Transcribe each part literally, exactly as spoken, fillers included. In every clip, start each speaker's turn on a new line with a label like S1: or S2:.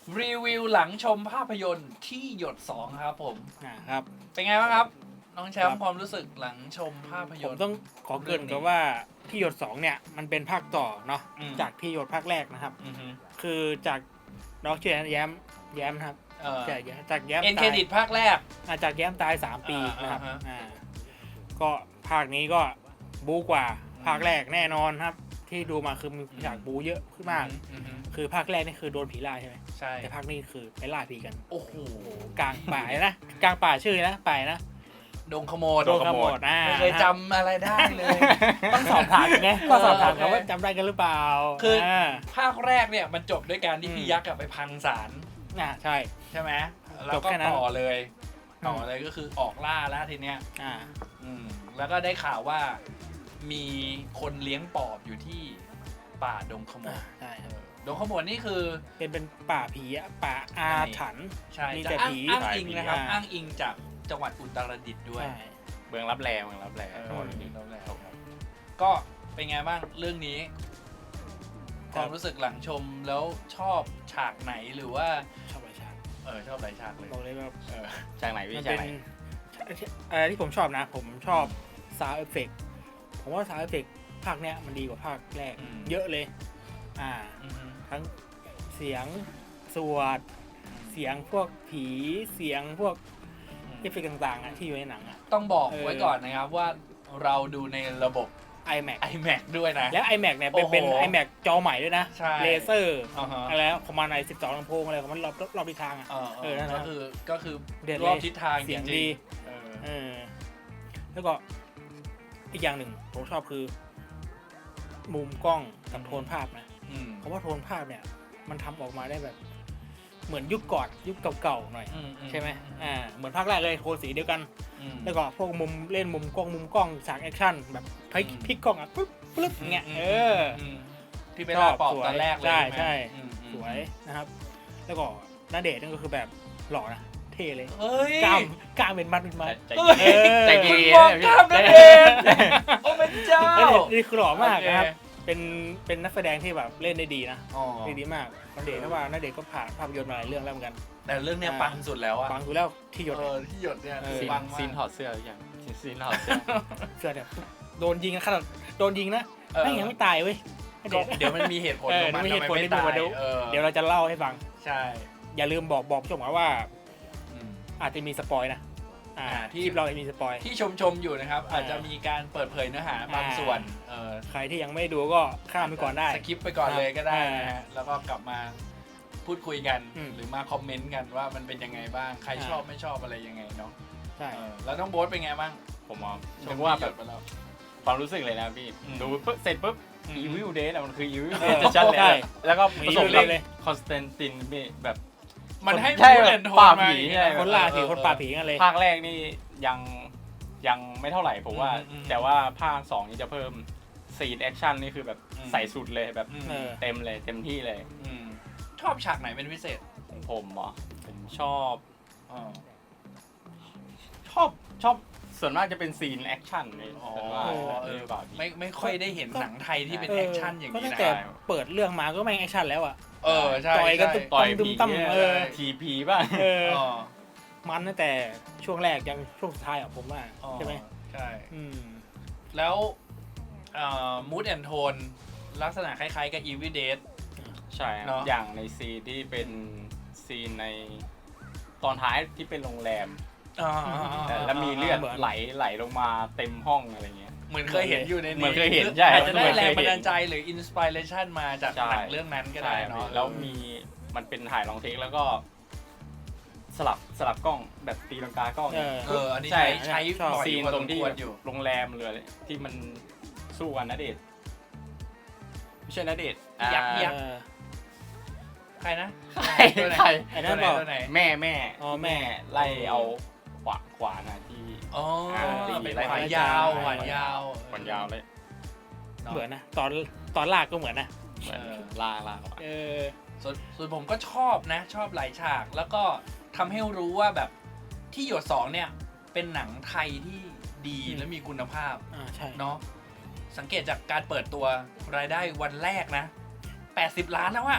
S1: รีวิวหลังชมภาพยนตร์ที่หยดสองครับผม
S2: อ่าครับ
S1: เป็นไงบ้างครับน้องแชมป์ความรู้สึกหลังชมภาพย
S2: ผ
S1: น
S2: ม
S1: ตร์
S2: ต้องขอเกริ่นกับว่าที่หยดสองเนี่ยมันเป็นภาคต่อเนาะ
S1: อืม
S2: จากที่หยดภาคแรกนะครับ
S1: อือฮึ
S2: คือจากน้องชื่อแย้มแย้มนะครับ
S1: เออ
S2: จากจากแย้ม
S1: เอ็นเคร
S2: ตาย
S1: ดิตภาคแรก
S2: อ่าจากแย้มตายสามปี
S1: อ่า
S2: นะครับ
S1: อ่าฮะ
S2: อ่าก็ภาคนี้ก็บู๊กว่าภาคแรกแน่นอนครับ ที่ดูมาคือมีฉากบู๊เยอะขึ้นมาก
S1: อือฮึ
S2: คือภาคแรกนี่คือโดนผีล่าใช่ไหม
S1: ใช่
S2: แต่ภาคนี้คือไปล่าผีกัน
S1: โอ้โห
S2: กลางป่าเลยนะกลางป่าชื่อนะป่านะ
S1: ดงขโมย
S2: โดนขโมยอ่า
S1: ไม่เคยจำอะไรได้เลย
S2: ต้องสอบถามกันไงก็สอบถาม
S1: เออ
S2: กันว่าจำได้กันหรือเปล่า
S1: คืออ่ ภาคแรกเนี่ยมันจบด้วยการที่
S2: อืม
S1: พี่ยักษ์กลับไปพังศาล
S2: อ่าใช่
S1: ใช่ไหมแล้ว
S2: จบ
S1: ก็
S2: แค่นั้น
S1: ต่อเลย
S2: อืม
S1: ต่อเลยก็คือออกล่าแล้วทีเนี้ย
S2: อ่า
S1: อืมแล้วก็ได้ข่าวว่ามีคนเลี้ยงปอบอยู่ที่ป่าดงขโม
S2: อ่าย ใช่
S1: เออดงขโมยนี่คือ
S2: เป็นเป็นป่าผีอะป่าอาถรรพ์
S1: ใช่
S2: มี
S1: จะ
S2: แต่
S1: อ้าง
S2: ผี
S1: อ้างอิงนะครับ
S2: อ่า
S1: อ้างอิงจากจังหวัดอุตรดิตถ์ด้วย
S2: ใช่
S3: เมืองรับแลเมืองรับแล
S1: เออ
S3: จังหวัดอุตรดิตถ์
S1: แล้วแล้วครับก็เป็นไงบ้างเรื่องนี้ ความรู้สึกหลังชมแล้วชอบฉากไหนหรือว่า
S2: ชอบหลายฉาก
S1: เออชอบหลายฉากเลย
S2: บอกเลยว่า
S1: เออ
S3: จากไหนพี่
S2: มัน
S3: จาก
S2: เป็น
S3: ไหน
S2: อะไรที่ผมชอบนะ ผมชอบซาวด์เอฟเฟกผมว่าซาวด์เอฟเฟกภาคเนี้ยมันดีกว่าภาคแรก เยอะเลย อ่า
S1: อือฮึ
S2: ทั้งเสียงสวดเสียงพวกผีเสียงพวกเอฟเฟกต่างๆอ่ะที่อยู่ในหนังอ่ะ
S1: ต้องบอก
S2: เออ
S1: ไว้ก่อนนะครับว่าเราดูในระบบ
S2: iMac
S1: iMac ด้วยนะ
S2: แล้ว iMac เนี่ยเป็น
S1: โอ้โห
S2: เป็น iMac จอใหม่ด้วยนะ
S1: ใช่
S2: เลเซอร์
S1: อ่าฮะ
S2: อะไรคอมมานด์ไอสิบสองลำโพงอะไรของมันรอบรอบทิศทางอ่ะ
S1: เออ
S2: เออนั่นนะ
S1: ก็คือก็คือ
S2: เด็ด
S1: ร
S2: เล
S1: อบ
S2: ย
S1: ทิศทาง
S2: เสียง
S1: จริ
S2: ดี
S1: ๆเออ
S2: เออแล้วก็อีกอย่างหนึ่งผมชอบคือ มุมกล้องกับโทนภาพนะ
S1: อืม
S2: เพราะว่าโทนภาพเนี่ยมันทำออกมาได้แบบ เหมือนยุคก่อนยุคเก่าๆหน่อย
S1: อื
S2: ใช่ไหมอ่าเหมือนภาคแรกเลยโทนสีเดียวกัน
S1: อืม
S2: แล้วก็พวกมุมเล่นมุมกล้องมุมกล้องฉากแอคชั่นแบบพลิก
S1: อืม
S2: พลิกกล้องอ่ะปึ๊บปึ๊บเงี้ยเออ
S1: มที่ไปล่าปอบตอนแรกเลย
S2: ใช่
S1: ไหม
S2: ใช่
S1: อืมอืม
S2: สวยนะครับ แล้วก็ณเดชน์นั่นก็คือแบบหล่อนะเท่เลย
S1: เฮ้ย
S2: กล้ามกล้ามเป็นมัดเป็นมัด
S3: ใจ
S1: เฮ้ย
S3: เย็นใจเย็
S1: คุณ
S3: น
S1: มอง
S3: นะ
S1: ก
S3: พี่
S1: ล้ามนั่นเอง โอ้เป็นเจ้า
S2: ณเดชน์นี่คือหล่อมากนะครับ
S1: โอเค
S2: เป็นเป็นนักแสดงที่แบบเล่นได้ดีนะ
S1: อ๋อ
S2: เล่นดีมากณเดชน์เพราะว่าณเดชน์ก็ผ่านภาพยนตร์มาหลายเรื่องแล้วเหมือนกัน
S1: แต่เรื่องเนี้ย
S2: อ่า
S1: ปังสุดแล้วอะ
S2: ฟังดูแล้วที่หยด
S1: เออที่หยดเนี่ย
S2: เออ
S1: คือ
S3: ซีน
S1: ปังมา
S3: ซีนถ
S1: ก
S3: อดเสื้อหรือยังซีนถอดเสื้อ
S2: เสื้อเนี่ยโดนยิงนะขนาดโดนยิงนะ
S1: เออ
S2: ไม่ยังไม่ตายเว้ยณเด
S1: ก็
S2: ชน์
S1: เดี๋ยวมันมีเหตุผล
S2: เอ
S1: ข
S2: อ
S1: องมัน
S2: มีเหตุผล
S1: ทำไม
S2: ที่
S1: ไม่
S2: มี
S1: ตาย
S2: มาดู
S1: เออ
S2: เดี๋ยวเราจะเล่าให้ฟัง
S1: ใช่
S2: อย่าลืมบอกบอกผู้ชมว่า
S1: อืม
S2: อาจจะมีสปอยนะอ่า
S1: อ่าที่
S2: ที่เราจะมีสปอย
S1: ที่ชมชมๆอยู่นะครับ อาจจะมีการเปิดเผยเนื้อหาบาง
S2: อ่า
S1: ส่วนเออ
S2: ใครที่ยังไม่ดูก็ข้ามไปก่อนได้
S1: สคิปไปก่อนเลยก็ได้
S2: อ่าน
S1: นะฮะแล้วก็กลับมาพูดคุยกัน
S2: อืม
S1: หรือมาคอมเมนต์กันว่ามันเป็นยังไงบ้าง ใคร
S2: อ่า
S1: ชอบไม่ชอบอะไรยังไงเนาะ
S2: ใช่
S1: เออแล้วน้องโบ๊ทเป็นไงบ้าง
S3: ผมมอง
S1: ช
S3: นึ
S1: ม
S3: กว่า
S1: ที่ห
S3: แบ
S1: ย
S3: บ
S1: ดไปแล้ว
S3: ความรู้สึกเลยนะพี่
S1: อืม
S3: ดูปุ๊บเสร็จปุ๊บ
S1: อืม
S3: Evil Dead อะมันคือ Evil
S2: เอ
S3: Dead
S2: อ
S3: จะชัดเลย
S2: ใช่
S3: อะแล้วก็ผสม
S2: Evil
S3: กับ
S2: Dead เลย
S3: คอนสแตนตินพี่แบบ
S1: มันให้
S3: ใช่
S1: พูดเด่นโทน
S3: ป่า
S1: มา
S3: ผี
S1: อย่าง
S3: ใช่
S1: เงี้ย
S2: คนล่าผี
S1: เออ
S2: คนป่าผีกันเลย
S3: ภาคแรกนี่ยังยังไม่เท่าไหร่ผมว่า
S1: อืมอืม
S3: แต่ว่าภาคสองนี่จะเพิ่มซีนแอคชั่นนี่คือแบบ
S1: อืม
S3: ใส่สุดเลยแบบ
S1: อืม
S2: เออ
S3: เต็มเลยเต็มที่เลย
S1: อืมชอบฉากไหนเป็นพิเศษ
S3: ของผมเหรอผมชอบ
S1: อ๋อ
S3: ชอบชอบส่วนมากจะเป็นซีนแอคชั่นเลย
S1: อ๋อ
S3: ส่วนมาก
S1: เออ
S3: เปล่าพี่
S1: ไม่ไม่ค่อยได้เห็นหนังไทยที่เป็น
S2: เออ
S1: แอคชั่นอย่าง
S2: ก็
S1: นี้
S2: ตั้ง
S1: นะ
S2: แต่เปิดเรื่องมาก็แม่งแอคชั่นแล้วอ่ะ
S1: เออใช่
S2: ต่อยกัน
S1: ใช่
S2: ตุ๊บ
S3: ต่อย
S2: ตุ้
S3: ผี
S2: มตั้ม
S3: เนี่ย
S2: เออ
S3: ทีพีบ้าง
S2: เออ
S1: อ๋อ
S2: มันตั้งแต่ช่วงแรกยังช่วงสุดท้ายอ่ะผมว่า
S1: อ๋อ
S2: ใช่ไหม
S1: ใช่
S2: อืม
S1: แล้วมูดแอนโทนลักษณะคล้ายๆกับ Evil Dead
S3: ใช่ครับ
S1: เนอะ
S3: อย่างในซีนที่เป็นซีนในตอนท้ายที่เป็นโรงแรม
S1: อ่า
S3: แต่แล้วมีเลือด
S2: เหมือน
S3: ไหลไหลลงมาเต็มห้องอะไรเงี้ย
S1: เหมือนเคยเห็นอยู่ใน
S3: เหมือนเคยเห็นใช่
S1: อาจจะได้
S3: เหมือน
S1: แร
S3: เค
S1: ง
S3: ยเห็น
S1: บันดาลใจหรืออินสปิเรชันมาจาก
S3: ใช่
S1: หนังเรื่องนั้นก็ได้เนาะ
S3: แล้วมีมันเป็นถ่ายลองเทคแล้วก็ สลับสลับกล้องแบบตีลังกากล้อง
S2: เออ
S1: เอออันนี้
S3: ใช่
S1: ใช้ใช้
S2: ชอบ
S1: บ่อย
S3: ซีน
S1: พอ
S3: ต
S1: ส
S3: รง
S1: ม
S3: ที่
S1: ควรอยู่
S3: โรงแรมเลยที่มันสู้กันณเดชน์ไม่ใช่ณเดชน์
S1: ยักษ์
S3: อ่า
S1: ยักษ์
S2: เออ
S1: ใครนะ
S3: ใคร
S1: ตัวไหน
S3: ใคร
S2: ไอ้นั่
S1: ตัวน ไหน
S2: บอก
S1: ตัวไหน
S3: แม่แม่
S2: อ๋อแม่
S3: ไล่เอาขวาขวานะที่
S1: อ๋อ
S3: อ่า
S1: เป็น
S3: ไล่
S1: ขวาน
S3: ไล่
S1: ยาว
S2: ไล่
S1: ขวานยาว
S3: ขวานยาวเลย
S2: เหมือนนะตอนตอนลากก็เหมือนนะ
S3: เหมือนล่าล่า
S2: เออ
S1: ส่วนส่วนผมก็ชอบนะ ชอบหลายฉาก แล้วก็ทำให้รู้ว่าแบบที่หยดสองเนี่ย เป็นหนังไทยที่ดี
S2: อืม
S1: และมีคุณภาพ
S2: อ่าใช่
S1: เนาะสังเกตจากการเปิดตัวรายได้วันแรกนะ แปดสิบล้านแล้วอะ
S2: ต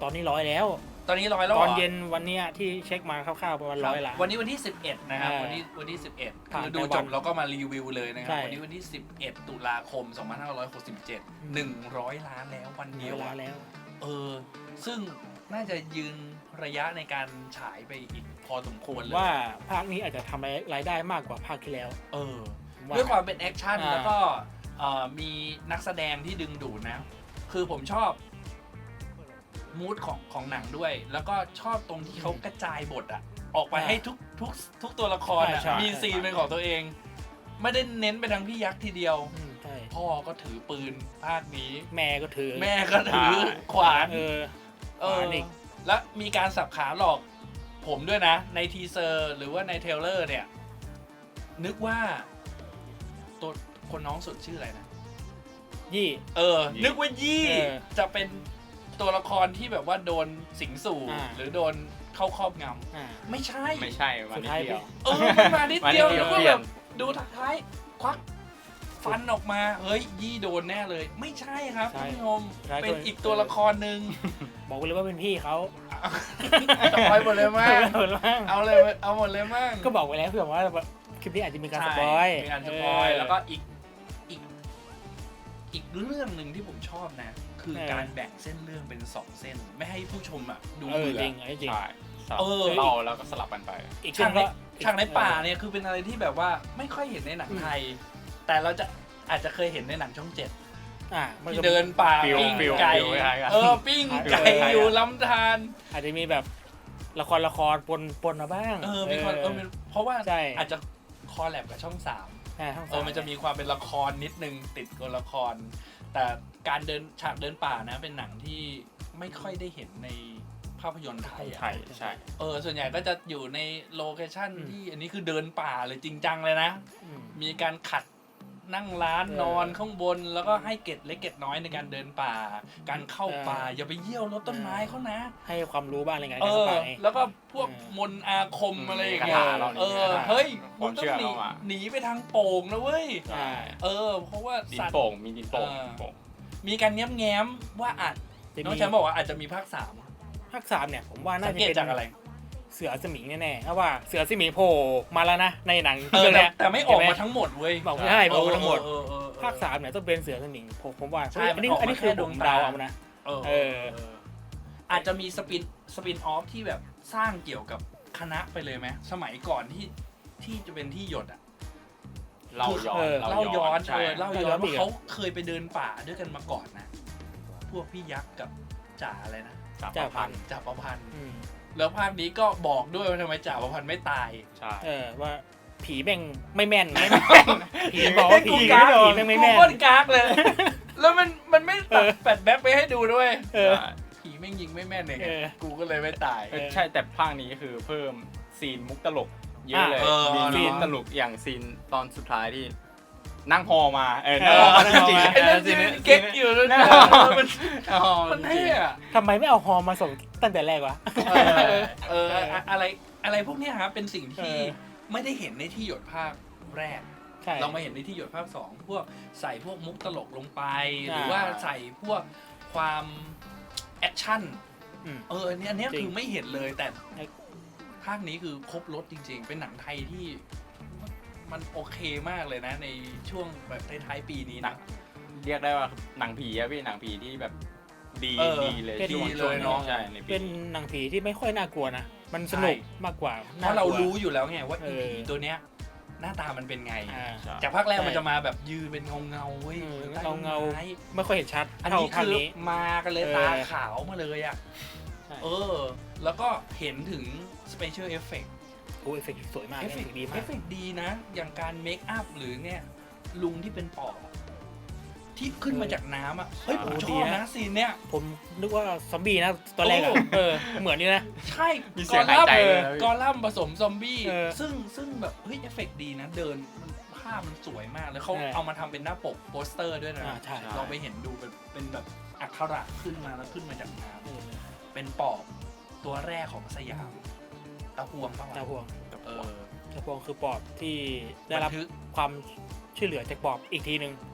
S2: ตอนนี้ร้อยแล้ว
S1: ตอนนี้ร้อยแล้ว
S2: ต
S1: หร
S2: อนเย็นวันเนี้ยที่เช็คมาคร่าวๆประมาณร้อยละ
S1: วันนี้วันที่สิบเอ็ดนะครับ
S2: อ่า
S1: วันนี้วันที่สิบเอ็ด
S2: ผ่าน
S1: คือ
S2: ไป
S1: ดู
S2: วัน
S1: จบแล้วก็มารีวิวเลยนะครั
S2: ใช่
S1: บวันนี้วันที่สิบเอ็ดตุลาคมสองพันห้าร้อยหกสิบเจ็ด หนึ่งร้อยล้านแล้ววันเดียว
S2: เวลา
S1: อะ
S2: แล้ว
S1: เออซึ่งน่าจะยืนระยะในการฉายไปอีกพอสมควรเลย
S2: ว่าภาคนี้อาจจะทำรายได้มากกว่าภาคที่แล้ว
S1: เออ
S2: ผมว่า
S1: ด้วยความเป็นแอคชั่น
S2: อ่า
S1: แล้วก็เอ่อมีนักแสดงที่ดึงดูดนะ คือผมชอบมูดของของหนังด้วย แล้วก็ชอบตรงที่เขากระจายบทอะออกไปให้ทุกทุกทุกตัวละครอะ
S2: ใช่ใช่
S1: มีซีนเป็นของตัวเอง ไม่ได้เน้นไปทางพี่ยักษ์ทีเดียว
S2: อืมใช่
S1: พ่อก็ถือปืนภาคนี้
S2: แม่ก็ถือ
S1: แม่ก็ถือขวาน
S2: เออ
S1: เออ
S2: ขวานอีก
S1: แล้วมีการสับขาหลอกผมด้วยนะ ในทีเซอร์หรือว่าในเทรลเลอร์เนี่ย นึกว่า ตัวคนน้องสุดชื่ออะไรนะ
S2: ยี่
S1: เออ นึกว่ายี่
S2: เออ
S1: จะเป็นตัวละครที่แบบว่าโดนสิงสู่
S2: อ่า
S1: หรือโดนเข้าครอบง
S2: อ่า
S1: ำไม่ใช่
S3: ไม่ใช่วัน
S2: สุด
S3: นี้
S2: ท้าย
S3: เดียว
S1: เออมันมานิดเดียว
S3: มานิดเดียว
S1: แล้วก็
S3: เปลี่
S1: แบ
S3: ยน
S1: บดูท้ายควักฟันออกมา เฮ้ย ยี่โดนแน่เลย ไม่ใช่ครับ
S2: ใช่
S1: ท่านผู้ชม
S2: ใช่
S1: เป็นอีกตัวละครหนึ่ง
S2: บอกไปเลยว่าเป็นพี่เขา
S1: สปอยหมดเลยมั้ง
S2: เออบ้าง
S1: เอาเลยเอาหมดเลยมั้ง
S2: ก็บอกไปแล้วเผื่อว่าคลิปนี้อาจจะมีการสปอย
S1: ใช่มีการสปอยแล้วก็อีกอีกอีกเรื่องหนึ่งที่ผมชอบนะ คือการแบ่งเส้นเรื่องเป็นสองเส้น ไม่ให้ผู้ชมอ่ะดู
S2: เออ
S1: เบื่อ
S2: จริงไอ้จริง
S3: ใช่สลับ
S1: เออ
S3: เล่าแล้วก็สลับกันไป
S2: อีก
S1: ฉากใน
S2: ก็
S1: ฉากในป่าเนี่ยคือเป็นอะไรที่แบบว่าไม่ค่อยเห็นในหนังไทย แต่เราจะอาจจะเคยเห็นในหนังช่องเจ็ด
S2: อ่ามัน
S1: ที่
S2: ก็
S1: เดินป่า
S3: ฟิล
S1: ปิ้ง
S3: ฟิล
S1: ไก่
S3: ฟิลคล้ายๆกัน
S1: เออปิ้งไก่
S2: ฟิลคล้ายๆกัน
S1: อยู่ลำธาร
S2: อาจจะมีแบบละครละครปนปนมาบ้าง
S1: เออมีความเออเป็นเพราะว่า
S2: ใช่
S1: อาจจะคอแลบกับช่องสาม
S2: อ่าทั้ง
S1: เอ
S2: สา
S1: อ มันจะมีความเป็นละครนิดนึงติดกับละคร แต่การเดินฉากเดินป่านะเป็นหนังที่ไม่ค่อยได้เห็นในภาพยนตร์ไทยอะ
S3: ใช่ใช่
S1: เออส่วนใหญ่ก็จะอยู่ในโลเคชั่น
S2: อืม
S1: ที่อันนี้คือเดินป่าเลยจริงจังเลยนะ
S2: อืม
S1: มีการขัดนั่งร้าน
S2: เออน
S1: อนข้างบนแล้วก็ให้เกร็ดเล็กเกร็ดน้อยในการเดินป่า การเข้าป่า
S2: เออ
S1: อ
S2: อ
S1: ย่าไปเยี่ยวรถต้นไม้เขานะ
S2: ให้ความรู้บ้างอะไรเงี้ย
S1: เอ
S2: เข้า
S1: อ
S2: ไป
S1: แล้วก็พวก
S2: เออ
S1: มนต์อาคมอะไรอย่างเงี้ย
S3: คาถาเรา
S1: เอ
S3: นี่
S1: อ
S3: นะ
S1: เฮ้ย
S3: ค
S1: มึ
S3: วาง ม
S1: ต้อ
S3: เชื่
S1: ง
S3: อ
S1: หนี
S3: เข้ามา
S1: หนีไปทางโป่งนะเว้ย
S2: ใช่
S1: เออ เพราะว่า
S3: ดิน
S1: สัตว์
S3: โป่งมีดินโป่ง
S1: เออ
S3: โป่ง
S1: มีการแง้มแง้มๆว่าอาจ
S2: จะ
S1: น้อง
S2: มี
S1: แชมป์บอกว่าอาจจะมีภาคสาม
S2: ภาคสามเนี่ยผมว่าน่า
S1: สัง
S2: จะ
S1: เกต
S2: เป็น
S1: จากอะไร
S2: เสือสมิงแน่ๆเพราะว่าเสือสมิงโผล่มาแล้วนะในหนัง
S1: เออ
S2: เรื่อง
S1: แต่
S2: เนี้ย
S1: แต่ไม่ออกมาทั้งหมดเว้ย
S2: บอกไม่ได้บอกมาทั้งหมด
S1: เออเออเออเออ
S2: ภาคสามเนี่ยต้องเป็นเสือสมิงผมผมว่า
S1: ใช่
S2: อันนี้
S1: มันออกมา
S2: อันนี้คือ
S1: แค่ด
S2: ด
S1: ว
S2: ว
S1: ง
S2: ง
S1: ตา
S2: ดาวเอานะ
S1: เออ
S2: เออ
S1: เอออาจจะมีสปินสปินออฟที่แบบสร้างเกี่ยวกับคณะไปเลยไหมสมัยก่อนที่ที่จะเป็นที่หยดอะ
S3: เล่าย้อน
S2: เออ
S1: เล่าย้อน
S3: ใช่
S1: เออเล่าย้อน
S2: เล่าย้อนอี
S1: ว่าก
S2: อะ
S1: เขาเคยไปเดินป่าด้วยกันมาก่อนนะ พวกพี่ยักษ์กับจ่าอะไรนะ
S3: จับ
S2: จ่า
S3: พัน
S1: จ่าประพันธ์
S2: อืม
S1: แล้วภาคนี้ก็บอกด้วยว่าทำไมจ่าประพันธ์ไม่ตาย
S3: ใช่
S2: เออว่าผีแม่งไม่แม่นไม่แม่นผีบอกว่าผี
S1: กู
S2: ไม่
S1: กาก
S2: ผีแม่งไม่แม่น
S1: กูโคตรกากเลย แล้วมันมันไม่ตัด
S2: เออ
S1: แฟลชแบ็คไปให้ดูด้วย
S2: เออ
S3: ใช่
S1: ผีแม่งยิงไม่แม่นเลยไง
S2: เออ
S1: กูก็เลยไม่ตาย
S3: เออใช่แต่ภาคนี้คือเพิ่มซีนมุกตลกเยอะเลย
S1: เออ
S3: มี
S1: เนอะ
S3: ซีนตลกอย่างซีนตอนสุดท้ายที่นั่งฮอมาเออ
S2: เอ
S3: นั่ง
S2: อ
S3: ฮอมาจริง
S2: นั่งฮอมา
S1: ไอ้นั่น
S3: ซี
S1: ที่
S3: น
S1: เก๊กอยู่แล้ว
S3: นั่
S1: นะ
S3: งฮอ
S1: มัน
S3: นั่งฮอ
S1: มันเท่อะ
S2: ทำไมไม่เอาฮอมาส่งตั้งแต่แรกวะ
S1: เออเอออะอะไรอะไรพวกเนี้ยครับเป็นสิ่งที่
S2: เออ
S1: ไม่ได้เห็นในที่หยดภาคแรก
S2: ใช่
S1: เรามาเห็นในที่หยดภาคสองพวกใส่พวกมุกตลกลงไป
S2: ใช่
S1: หรือว่าใส่พวกความแอคชั่น
S2: อืม
S1: เอออันเนี้ยอันเนี้ย
S2: จริง
S1: คือไม่เห็นเลยแต่
S2: ไอ้
S1: ภาคนี้คือครบรถจริง ๆ เป็นหนังไทยที่มันโอเคมากเลยนะ ในช่วงแบบท้ายๆปีนี้
S3: หนั
S1: นะ
S3: งเรียกได้ว่าหนังผีอะพี่หนังผีที่แบบดี
S1: เออ
S3: ดีเลย
S2: เป็น
S3: ช่วง
S1: ดีเลยเนอะ
S3: ใช่ในปี
S2: เป็นหนังผีที่ไม่ค่อยน่ากลัวนะ มันสนุกมากกว่า
S1: เพราะเรารู้อยู่แล้วไงว่า
S2: เอ
S1: อี
S2: อ
S1: ผีตัวเนี้ยหน้าตามันเป็นไง
S2: อ่า
S3: ใช่
S1: จากภาคแรก
S2: ใช่
S1: มันจะมาแบบยืนเป็นเงาเงาๆเว้ย
S2: เออ
S1: ใต้ต้น
S2: เงาๆ
S1: ไม้
S2: ไม่ค่อยเห็นชัด
S1: อัน
S2: เท่า
S1: นี้
S2: ภาค
S1: คือ
S2: นี้
S1: มากันเลย
S2: เออ
S1: ตาขาวมาเลยอ่ะ
S2: ใช่
S1: เออ แล้วก็เห็นถึง special effect
S2: โอ้เอฟเฟกต์สวยมาก
S1: เอฟเฟก
S2: เอฟ
S1: ต์
S2: เฟกต์ดี
S1: เอ
S2: มาก
S1: ฟเฟกต์ดีนะ อย่างการเมคอัพหรือเนี่ยลุงที่เป็นปอบอะที่ขึ้นมาจากน้ำอ่ะ เฮ้ย ผมชอบนะซีนเนี้ย
S2: ผมนึกว่าซอมบี้นะตอนแรกอะ
S1: โอ้
S2: เออ เหมือนนี่นะ
S1: ใช่
S3: มี
S1: ก
S3: เสี
S1: อย
S3: งหาย
S1: ลัม
S3: ใจ
S1: น์
S3: เลยนะพี่
S1: กอลัมน์ผสมซอมบี้
S2: เออ
S1: ซึ่งซึ่งแบบเฮ้ยเอฟเฟกต์ดีนะ เดินมันภาพมันสวยมาก แล้วเขา
S2: ใช่
S1: เอามาทำเป็นหน้าปกโปสเตอร์ด้วยนะ
S2: อ่าใช่
S1: ลองไปเห็นดูเป็นเป็นแบบอักขระขึ้นมาแล้วขึ้นมาจากน้ำ
S2: เออ
S1: เป็นปอบตัวแรกของสยามตะพวงปะวะ
S2: ตาพวง
S1: เออ
S2: ตาพวงคือปอบที่ได้
S1: บั
S2: รับ
S1: นทึก
S2: ความช่วยเหลือจากปอบอีกทีหนึ่ง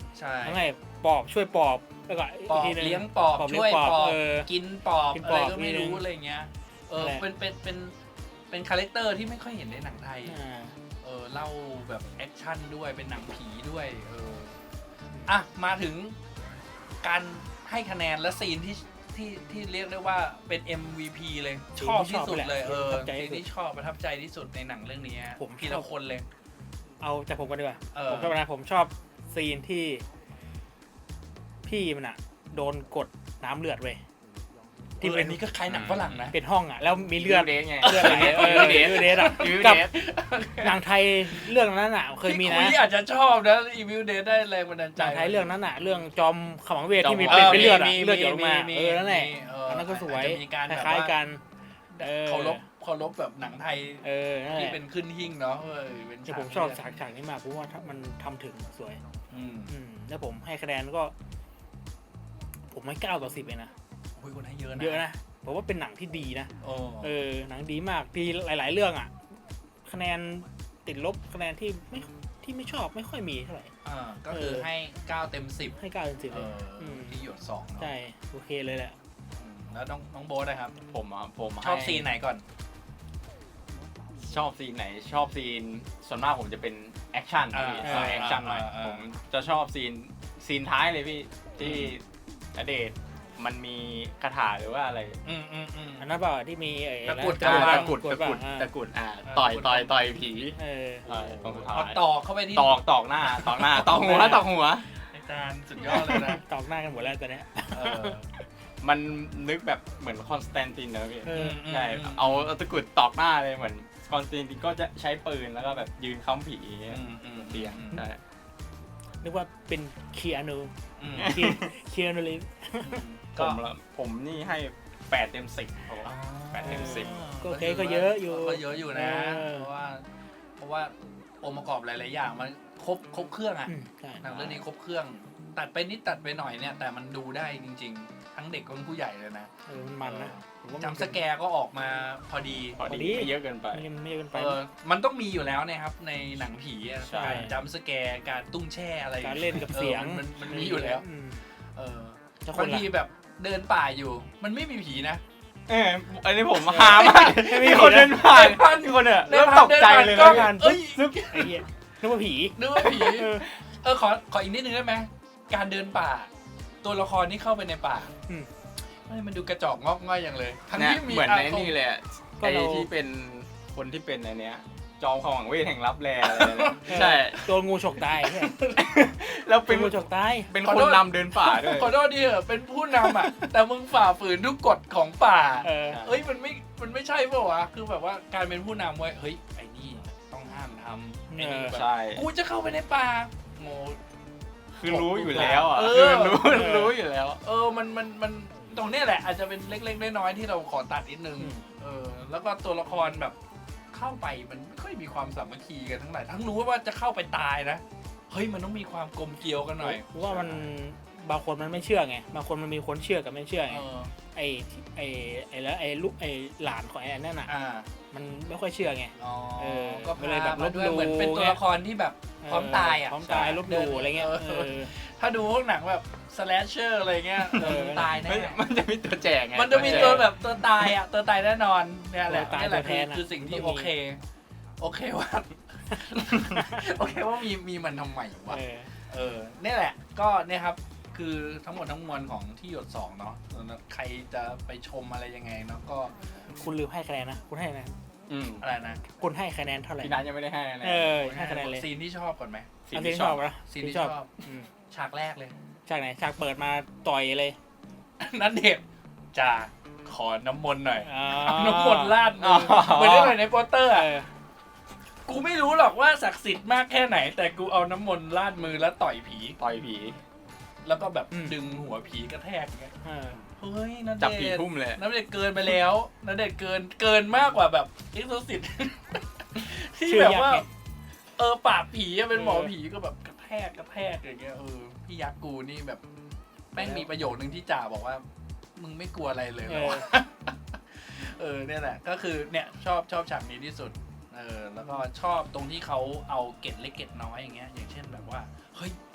S1: ใช่
S2: ทั้งไงปอบช่วยปอบแล้วก็
S1: ปอบ
S2: กทีนึ
S1: เลี้ยงปอบ
S2: ปอบเลี้ย
S1: ช่วย
S2: งปอบ
S1: ปอบ
S2: เออ
S1: กินปอบ
S2: กิน
S1: อะ
S2: ป
S1: ไร
S2: อบ
S1: ก็ไม่รู้
S2: นี่
S1: อะไรเงี้ยเออ
S2: นั่นแหละ
S1: เป็นเป็นเป็นเป็นคาแรคเตอร์ที่ไม่ค่อยเห็นในหนังไทย
S2: อ่า
S1: เออเล่าแบบแอคชั่นด้วยเป็นหนังผีด้วยเอออ่ะมาถึงการให้คะแนนและซีนที่ที่ที่เรียกได้ว่าเป็น เอ็ม วี พี เลย
S2: ซีน
S1: ชอบ
S2: ที่
S1: ที่สุด
S2: ชอบ
S1: เลยเออ
S2: ประทับใจ
S1: ซีน
S2: ที่สุด
S1: ที่ชอบประทับใจที่สุดในหนังเรื่องนี้ฮะ
S2: ผม
S1: ที
S2: ช
S1: ละ
S2: อบ
S1: คนเลย
S2: เอาจากผมกันดีกว่า
S1: เออ
S2: ผมชอบนะผมชอบซีนที่ พี่มันอะโดนกดน้ำเลือดเว้ย
S1: ที่
S2: ที่
S1: เป็
S2: เป็น น
S1: นี้ก็คล้ายหนังฝรั่งนะ
S2: เป็นห้องอะแล้วมีเลือด
S3: เดทไง
S2: เลือดอะไรเงี้ยเออ
S3: เดท
S2: เดทอะ
S3: ยู
S2: กับ
S3: เดท
S2: หนังไทยเรื่องนั้นอะเคยมี
S1: พี่
S2: นะ
S1: คุยอาจจะชอบนะอีวิวเดย์ได้แรงบันดาลใจ
S2: หนังไทยเรื่องนั้นอะเรื่องจอมขมังเวทที่มี
S1: เอ
S2: เป็น
S1: อ
S2: เป็นเลือดอะ
S1: มี
S2: เลือดหยดลงมา
S1: มี
S2: เออนั่นแหละ
S1: มีเ
S2: อันนั้นก็สวย
S1: อาจจะมีการ
S2: ค
S1: แบบ
S2: ล้าย
S1: ว่า
S2: ๆกัน เออ
S1: เคารพเคารพแบบหนังไทย
S2: เออนั่นแห
S1: ที่
S2: ละ
S1: เป็นขึ้นหิ้งเนาะเออเป็น
S2: แต่
S1: ฉาก
S2: ผมชอบฉากฉากนี้มากเพราะว่ามันทำถึงสวย
S1: อืม
S2: อืมแล้วผมให้คะแนนก็ ผมให้เก้าต่อสิบเองนะ
S1: โอ้ยคนให้เยอะนะ
S2: เยอะนะผมว่าเป็นหนังที่ดีนะ
S1: โอ้
S2: เออหนังดีมากดีหลาย ๆ เรื่องอ่ะ คะแนนติดลบคะแนนที่ไม่ที่ไม่ชอบไม่ค่อยมีเท่าไหร่
S1: อ่าก็คือ
S2: เออ
S1: ให้เก้าเต็มสิบ
S2: ให้เก้าเต็มสิบ
S1: เอ
S2: เลย
S1: อ
S2: ม
S1: ที่หยดสองเนาะ
S2: ใช่โอเคเลยแหละ
S1: อืมแล้วน้องน้องโบ๊ทนะครับ
S3: ผมอ่ะผม
S1: ชอบ
S3: ให้
S1: ซีนไหนก่อน
S3: ชอบซีนไหนชอบซีนส่วนมากผมจะเป็นแอคชั่นพี่
S1: อ่า
S3: สายแอคชั่นหน่อย
S1: อ่าอ่า
S3: ผมจะชอบซีนซีนท้ายเลยพี่ที่ณเดชน์มันมีคาถาหรือว่าอะไร
S1: อืมอืมอืม
S2: อันนั้นเปล่าที่มีไอ้
S1: ตะกรุด
S2: อไร
S3: ตะ
S2: น
S3: กุดตะกุด
S2: อ่า
S3: ตะกุดอ่า
S1: เออ
S3: ต่อย
S1: ตะกุด
S3: ต่อยต่อยผี
S2: เออ
S3: เออตรงสุดท้า
S1: เอา
S3: ย
S1: ตอกเข้าไปที่
S3: ตอกตอกหน้าตอกหน้าตอกหัวตอกหัว
S1: อาจารย์สุดยอดเลยนะ
S2: ตอกหน้ากันหมดแล้วตอนเนี้ย
S1: เออ
S3: มันนึกแบบเหมือนคอนสแตนตินนะพี่
S2: เออ
S3: ใช่เอาเอาตะกรุดตอกหน้าเลยเหมือนคอนสแตนตินก็จะใช้ปืนแล้วก็แบบยืนค้ำผีอย่างเงี้ย
S1: อืมอืม
S3: เตียงใช่
S2: นึกว่าเป็นเคียนู
S1: อืม
S2: เคียนูรีฟ
S3: ผ
S1: ก็
S3: มละผมนี่ให้แปดเต็มสิบครับผม แปดเต็มสิบ
S2: ก็โอเคก็เยอะอยู่
S1: ก็เยอะอยู่นะ
S2: เออ
S1: เพราะว่า เพราะว่าองค์ประกอบหลาย ๆ อย่างมันครบครบเครื่องอะ
S2: อืมใช่
S1: หนังเรื่องนี้ครบเครื่อง ตัดไปนิดตัดไปหน่อยเนี่ย แต่มันดูได้จริง ๆ ทั้งเด็กทั้งผู้ใหญ่เลยนะ
S2: เออมันมันนะผมว่ามัน
S1: จำสแกร์ก็ออกมาพอดี
S3: พอ
S2: พอดี
S3: ดีไม่เยอะเกินไป
S2: มันไม่เยอะเกินไป
S1: เออมันต้องมีอยู่แล้วนะครับ ในหนังผีอะ
S2: ใช่
S1: การจำสแกร์การตุ้งแช่อะไร
S2: การเล่นกับเสียง
S1: ออมันมันมันมีอยู่แล้ว
S2: ม
S1: เออ
S2: แล้วค
S1: บาน ง
S2: ละ
S1: ทีแบบเดินป่าอยู่ มันไม่มีผีนะ
S3: เอออันนี้ผมหามาก
S2: ไม่มี
S3: มีคน
S2: ผีนะ
S3: เดินผ่าน
S1: เดินผ่าน
S3: มีคนเนี่ย
S1: เดิ
S3: เริ่
S1: น
S3: ม
S1: ผ่าน
S3: ตกใจเลย
S1: เดิ
S3: นะ
S1: นผ่านก็
S2: ซึบซึบไอ้เหี้ยนึกว่าผี
S1: นึกว่าผี
S2: เออ
S1: เออขอขออีกนิดนึงได้ไหมการเดินป่า ตัวละครที่เข้าไปในป่า
S2: อืม
S1: ไม่มันดูกระจอกงอกง่อยอย่างเลย ทั้ง
S3: เนี่ย
S1: ที่มี
S3: เหมือนใน
S1: าคม
S3: นี่เลยอะ
S2: ก็
S3: ไอ้
S2: เรา
S3: ที่เป็นคนที่เป็นอันเนี้ย จอมขมังเวทแห่งลับแลอะไรเนี่ยใช่
S2: โดนงูฉกตายใช่
S3: แล้ว
S2: เป็
S3: เป็น น
S2: งูฉกตาย
S3: เป็น
S1: ขอ
S3: ค
S1: โท
S3: น
S1: ษ
S3: นำเดินป่าด้วย
S1: ขอโทษดิเหอะเป็นผู้นำอ่ะ แต่มึงฝ่าฝืนทุกกฎของป่า
S2: เออ
S1: เอ้ยมันไม่ มันไม่ใช่เปล่าวะ คือแบบว่าการเป็นผู้นำเว้ย เฮ้ยไอ้นี่ต้องห้ามทำไอ้นี่แบบ
S3: ใช่
S1: กูจะเข้าไปในป่าโง่
S3: คือรู้อยู่แล้วอ่ะ
S1: เออ
S3: คือรู้
S2: เออ
S3: รู้อยู่แล้ว
S1: เออ มัน มัน มัน ตรงเนี้ยแหละ อาจจะเป็นเล็กๆน้อยๆที่เราขอตัดนิดนึง
S2: อืม
S1: เออ แล้วก็ตัวละครแบบเข้าไปมันไม่ค่อยมีความสามัคคีกันทั้งหลาย ทั้งรู้ว่าจะเข้าไปตายนะ เฮ้ยมันต้องมีความกลมเกลียวกันหน่อย
S2: เพราะว่ามันบางคนมันไม่เชื่อไงบางคนมันมีคนเชื่อกับไม่เชื่อไง
S1: เออ
S2: ไอ้ที่ไอ้ไอ้แล้วไอ้ลูกไอ้หลานของไอ้นั่นน่ะ
S1: อ่า
S2: มันไม่ค่อยเชื่อไง
S1: อ๋อ
S2: เออ
S1: ก็
S2: ก็เลยแบบ
S1: พามาด้วย
S2: ลบหลู่
S1: เหมือนเป็นตัวละครที่แบบ พร้อมตายอ่ะ
S2: พร้อมตายลบหลู่อะไรเงี้ย
S1: เออ
S2: เออ
S1: ถ้าดูพวกหนังแบบสแลชเชอร์อะไรเงี้ย
S2: เออ
S1: ตายแน่
S3: มันมันจะมีตัวแจกไง
S1: มันจะมีตัวแบบตัวตายอ่ะ ตัวตายแน่นอนเนี่ยแหละ
S2: ตัวตาย
S1: นี่แหละ
S2: ตัวแท
S1: คือน
S2: อะ
S1: คือสิ่งที่
S2: ต้องมี
S1: โอเค โอเคว่า โอเคว่ามีมีมันทำไมวะ
S2: เออ
S1: เออเนี่ยแหละ ก็เนี่ยครับ คือทั้งหมดทั้งมวลของที่หยดสองเนาะใครจะไปชมอะไรยังไงเนาะก็
S2: คุณลืมให้คะแนนนะคุณให้คะแนน
S3: อืม
S1: อะไรนะ
S2: คุณให้คะแนนเท่าไหร่
S3: พี่นัทยังไม่ได้ให้นะ
S2: เออให้คะแนนเลย
S1: ซีนที่ชอบก่อนไหม
S3: สิ่
S2: อัน
S3: ง
S2: ที่
S3: ที่
S2: ช
S3: ช
S2: อ
S3: อ
S2: บบ นะ
S1: ซีนที่ชอบ
S2: อืม
S1: ฉากแรกเลย
S2: ฉากไหนฉากเปิดมาต่อยเลย
S1: นั่นเด็กจะขอน้ำมนต์หน่อย
S2: อ๋อ
S1: เอาน้ำมนต์ราดมือเหมือนที่เห็นในโปสเตอร์
S2: เอ
S1: อะ
S2: อ
S1: กูไม่รู้หรอกว่าศักดิ์สิทธิ์มากแค่ไหน แต่กูเอาน้ำมนต์ราดมือแล้วต่อยผี
S3: ต่อยผี
S1: แล้วก็แบบดึงหัวผีกระแทกอย่างเงี้ย
S2: เออ
S1: เฮ้ยนั่น
S3: จับ
S1: เด็
S3: ผี
S1: ก
S3: ทุ่มเลย
S1: นั่นเด็กเกินไปแล้วนั่นเด็กเกินเกินมากกว่าแบบเอ็กโซซิต ที่
S2: ชื่อ
S1: แบบ
S2: ยักษ์
S1: ว่า
S2: ไง
S1: เออปราบผีอะเป็นหมอ
S2: เออ
S1: ผีก็แบบกระแทกกระแทกอย่างเงี้ยเออพี่ยักษ์กูนี่แบบแม่งมีประโยคนึงที่จ่าบอกว่า มึงไม่กลัวอะไรเลยเหร
S2: เอ
S1: อ
S2: อ
S1: วะ เออเนี่ยแหละก็คือเนี่ยชอบชอบฉากนี้ที่สุดเออแล้วก็ชอบตรงที่เขาเอาเกร็ดเล็กเกร็ดน้อยอย่างเงี้ยอย่างเช่นแบบว่าเฮ้ยมึง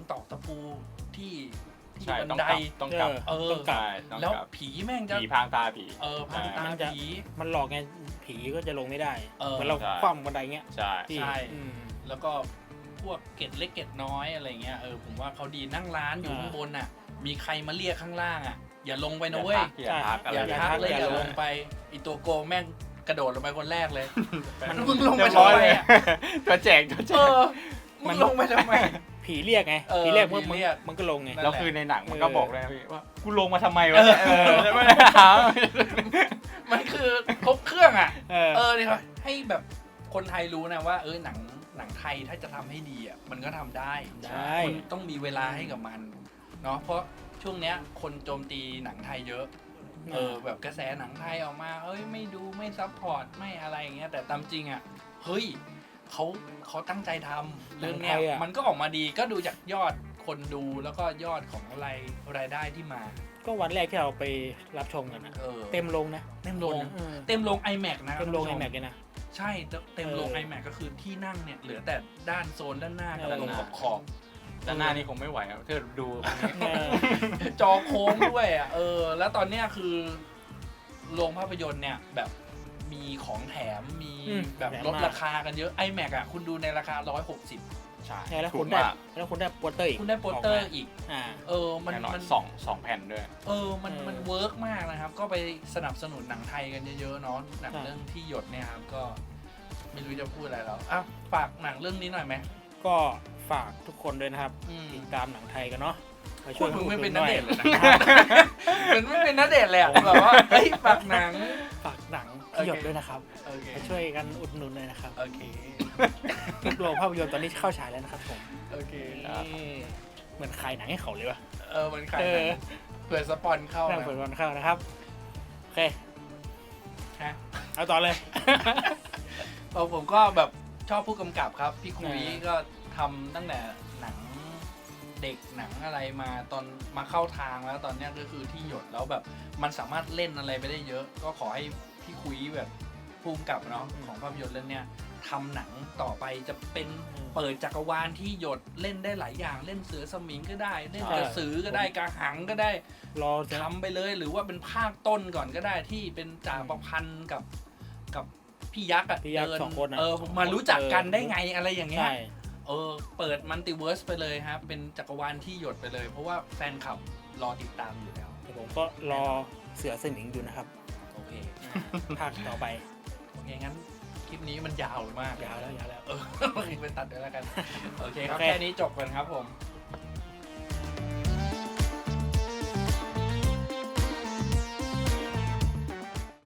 S1: ตอกตะปูที่ที่
S3: ใช่
S1: บัน
S3: ต้อง
S1: ได
S3: กลับต้องกลับ
S1: เออ
S2: ต้องกลับ
S3: ใช่ต้อง
S1: แล้ว
S3: กลับ
S1: ผีแม่งจะ
S3: ผีพรางตาผี
S1: เออพังตา
S2: มันจะ
S1: ผี
S2: มันหลอกไงผีก็จะลงไม่ได้
S1: เออ
S2: เหมือนเรา
S3: ใช่
S2: คว่ำบันไดเงี้ย
S3: ใช่
S2: ที่
S1: ใช่
S2: อืม
S1: แล้วก็พวกเกร็ดเล็กเกร็ดน้อยอะไรเงี้ยเออผมว่าเขาดีนั่งร้านอยู่
S2: อ่า
S1: ข้างบนอ่ะ มีใครมาเรียกข้างล่างอ่ะ อย่าลงไป
S3: อ
S1: นะ
S3: ย่า
S1: เว้ย
S3: ทักอย่าทักอะไร
S1: อย่า
S2: อย่า
S1: ทัก
S2: ทัก
S1: เลย
S2: อย่า
S1: อย่า
S2: ล
S1: ล
S2: ง
S1: งไปอีตัวโกงแม่งกระโดดลงไปคนแรกเลย
S2: มัน
S1: มึงลงไป
S3: เรียบ
S1: ทำ
S3: ร้อย
S1: ไม
S3: เลย
S1: อ่ะ
S3: ตัวแจกตัวแจ
S1: เอก อมึงลงไปทำไม
S2: ผีเรียกไง
S1: เออ
S2: ผีเรียก
S1: ผี
S2: มัน
S1: เรียก
S2: มันก็ลงไง
S1: นั่น
S3: แล้ว
S1: แหละ
S3: คือในหนังมันก็
S2: เออ
S3: บอกเลยนะพี่ว่ากูลงมาทำไมวะเนี่ยเออแล้วไม่ได้ถาม
S1: มันคือครบเครื่องอ่ะ
S2: เออ
S1: เออเนี่ยครับให้แบบคนไทยรู้นะว่า เออหนังหนังไทยถ้าจะทำให้ดีอ่ะมันก็ทำได้
S2: ได้
S1: คุณต้องมีเวลาให้กับมันเนาะเพราะช่วงเนี้ยคนโจมตีหนังไทยเยอะ เออแบบกระแสหนังไทยออกมาเอ้ยไม่ดูไม่ซัพพอร์ตไม่อะไรอย่างเงี้ยแต่ตามจริงอ่ะเฮ้ยเขาเขาตั้งใจทำเรื่องเนี้ย
S2: หนังไทยอะ
S1: มันก็ออกมาดีก็ดูจากยอดคนดูแล้วก็ยอดของรายรายได้ที่มา
S2: ก็วันแรกที่เราไปรับชมกันนะ
S1: เออ
S2: เต็มลงนะ
S1: เต็มโรง
S2: เออ
S1: เต็มโรง iMac นะ
S2: เต็มลง
S1: ท่า
S2: ไอน
S1: ผู้ช
S2: แม็กเลยนะ
S1: ใช่เต็มโรง
S2: เออ
S1: iMac ก็คือที่นั่งเนี่ยเหลือแต่ด้านโซนด้านหน้ากับ
S2: เออ
S1: ตรงขอบขอบ
S3: ด้านหน้านี่คงไม่ไหวครับถ้าดู
S2: เออ
S1: จอโค้งด้วยอ่ะเออแล้วตอนเนี้ยคือโรงภาพยนตร์เนี่ยแบบมีของแถมมี
S2: อืม
S1: แบบ
S2: แถม
S1: ลด
S2: มาก
S1: ราคากันเยอะ iMac อ่ะคุณดูในราคาหนึ่งร้อยหกสิบ
S3: ใช่
S2: ใช่แล้ว
S3: ถู
S2: คุ
S3: ก
S2: ณได้
S3: มาก
S2: แล้วคุณได้โปสเตอร์อีก
S1: คุณได้โปสเตอร์
S2: กมา
S1: อีก
S2: อ่า
S1: เออมัน
S3: แน่นอน
S1: มัน
S3: สองสองแผ่นด้วย
S1: เออมัน
S2: เออ
S1: มันเวิร์กมากนะครับ ก็ไปสนับสนุนหนังไทยกันเยอะๆเนาะหนัง
S2: ใช่
S1: เรื่องที่หยดเนี่ยครับก็ไม่รู้จะพูดอะไรแล้วอ่ะฝากหนังเรื่องนี้หน่อยไหม
S2: ก็ฝากทุกคนด้วยนะครับ
S1: อืม
S2: ติดตามหนังไทยกันเนาะมา
S1: พู
S2: ช่ว
S1: ด
S2: ย
S1: มึงไม่เป็น
S2: อุ
S1: นั
S2: ด
S1: เด
S2: ห
S1: ชน์เลย
S2: อย
S1: นะ เหมือนไม่เป็นนัเดชน์เลยอะแบบว่าเฮ้ยฝากหนัง
S2: ฝากหนัง
S1: โอเค
S2: ที่หยดด้วยนะครับ
S1: โอเค
S2: มาช่วยกันอุดหนุนเลยนะครับ
S1: โอเค
S2: ทุกโรงภาพยนตร์ตอนนี้เข้าฉายแล้วนะครับผม
S1: โอเค
S3: ครับ
S2: นี่เหมือนขายหนังให้เขาเลยวะ
S1: เออมันขาย
S2: เอ
S1: หนัง
S2: อ
S1: เผื่อสปอนเข้า
S2: นั่ง
S1: นะ
S2: เปิดวันเข้านะครับโอเค
S1: ฮะ
S2: เอาต่อเลย
S1: เออผมก็แบบชอบผู้กำกับครับ พี่คุย
S2: อ่า
S1: ก็ทำตั้งแต่หนังเด็กหนังอะไรมาตอนมาเข้าทางแล้วตอนเนี้ยก็คือที่หยดแล้วแบบมันสามารถเล่นอะไรไปได้เยอะ ก็ขอให้พี่คุยแบบผู้กำกับเนาะของภาพยนตร์เรื่องเนี้ยทำหนังต่อไปจะเป็นเปิดจักรวาลที่หยดเล่นได้หลายอย่างเล่นเสือสมิงก็ได้ เล่นกระสือก็ได้กระหังก็ได้
S2: รอจะ
S1: ทำไปเลยหรือว่าเป็นภาคต้นก่อนก็ได้ที่เป็นจ่าประพันธ์กับกับพี่ยักษ์อะ
S2: พี่ยักษ์
S1: เดิ
S2: สองคนอะ
S1: เออมารู้จักกันได้ไงอะไรอย่างเงี้ย
S2: ใช่
S1: เออเปิดมัลติเวิร์สไปเลยครับเป็นจักรวาลที่หยดไปเลย เพราะว่าแฟนคลับรอติดตามอยู่แล้ว
S2: แต่ผมก็รอเสือสมิงอยู่นะครับ
S1: โอเค
S2: ภาคต่อไป
S1: โอเคงั้นคลิปนี้มันยาวมาก
S2: ยาวแล้วยาวแล้ว
S1: เออไปตัดด้วยแล้วกันโอเคครับ
S2: โอเค
S1: แค่นี้จบกันครับผม